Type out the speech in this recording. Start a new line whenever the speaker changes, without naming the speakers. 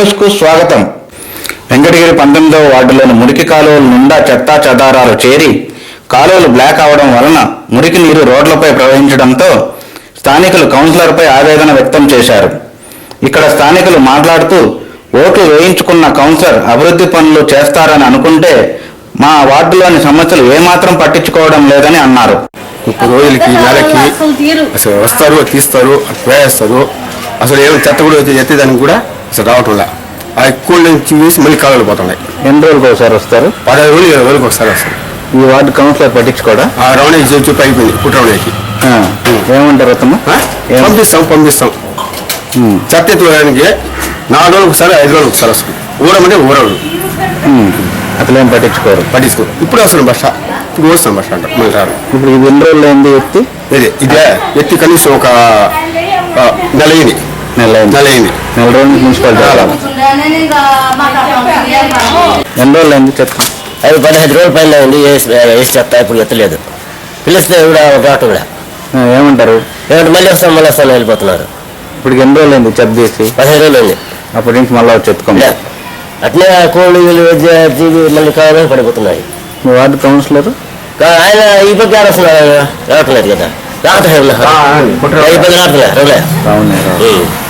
న్యూస్కు స్వాగతం. వెంకటగిరి 19వ వార్డులోని మురికి కాలువల నిండా చెత్తా చెదారాలు చేరి కాలువలు బ్లాక్ అవడం వలన మురికి నీరు రోడ్లపై ప్రవహించడంతో స్థానికులు కౌన్సిలర్పై ఆవేదన వ్యక్తం చేశారు. ఇక్కడ స్థానికులు మాట్లాడుతూ ఓట్లు వేయించుకున్న కౌన్సిలర్ అభివృద్ధి పనులు చేస్తారని అనుకుంటే మా వార్డులోని సమస్యలు ఏమాత్రం పట్టించుకోవడం లేదని అన్నారు.
ఇప్పుడు రోజులకి నెలకి అసలు వస్తారు తీస్తారు వేస్తారు. అసలు ఏమైనా చెత్త కూడా ఎత్తేదానికి కూడా అసలు రావటంలా. ఆ ఎక్కువ నుంచి వేసి మళ్ళీ కాలువలు పోతున్నాయి.
ఎన్ని రోజులకు ఒకసారి వస్తారు?
15 రోజులు 20 రోజులకు ఒకసారి వస్తారు.
ఈ వార్డు కౌన్సిలర్ పట్టించుకోవడా?
ఆ రౌండ్ చెప్పి అయిపోయింది. పుట్టరౌండ్కి
ఏమంటారు అతను?
పంపిస్తాం చెత్త ఎత్తుకోవడానికి 4 రోజులకు ఒకసారి 5 రోజులకు ఒకసారి వస్తుంది. ఊరమంటే ఊరడు
అసలు ఏం పట్టించుకోరు.
ఇప్పుడు వస్తాను బస్ ఇప్పుడు వస్తాను బస్ స్టాండ్ మళ్ళీ రారు.
ఇప్పుడు ఇది ఎన్ని రోజులు అయింది ఎత్తి?
ఇదే ఎత్తి కనీసం ఒక నెల అయింది. నెల రోజులు
మున్సిపాలిటీ ఎన్ని రోజులు అయింది చెత్త?
అది 15 రోజుల పైన ఉంది. వేసి చెప్తా ఇప్పుడు ఎత్తలేదు. పిలిస్తే కూడా రావటం కూడా
ఏమంటారు?
మళ్ళీ వస్తాను వెళ్ళిపోతున్నారు.
ఇప్పుడు ఎన్ని రోజులు అయింది చెత్త చేసి?
15 రోజులు అయింది.
అప్పటి నుంచి మళ్ళీ వచ్చి ఎత్తుకోండి.
అట్నే కోళ్ళు మళ్ళీ కావాలని పడిపోతున్నాయి.
మీ వార్డు కౌన్సిలర్
ఆయన ఈ పక్క వస్తున్నారు రావట్లేదు కదా. రావట్లేదు
అవును.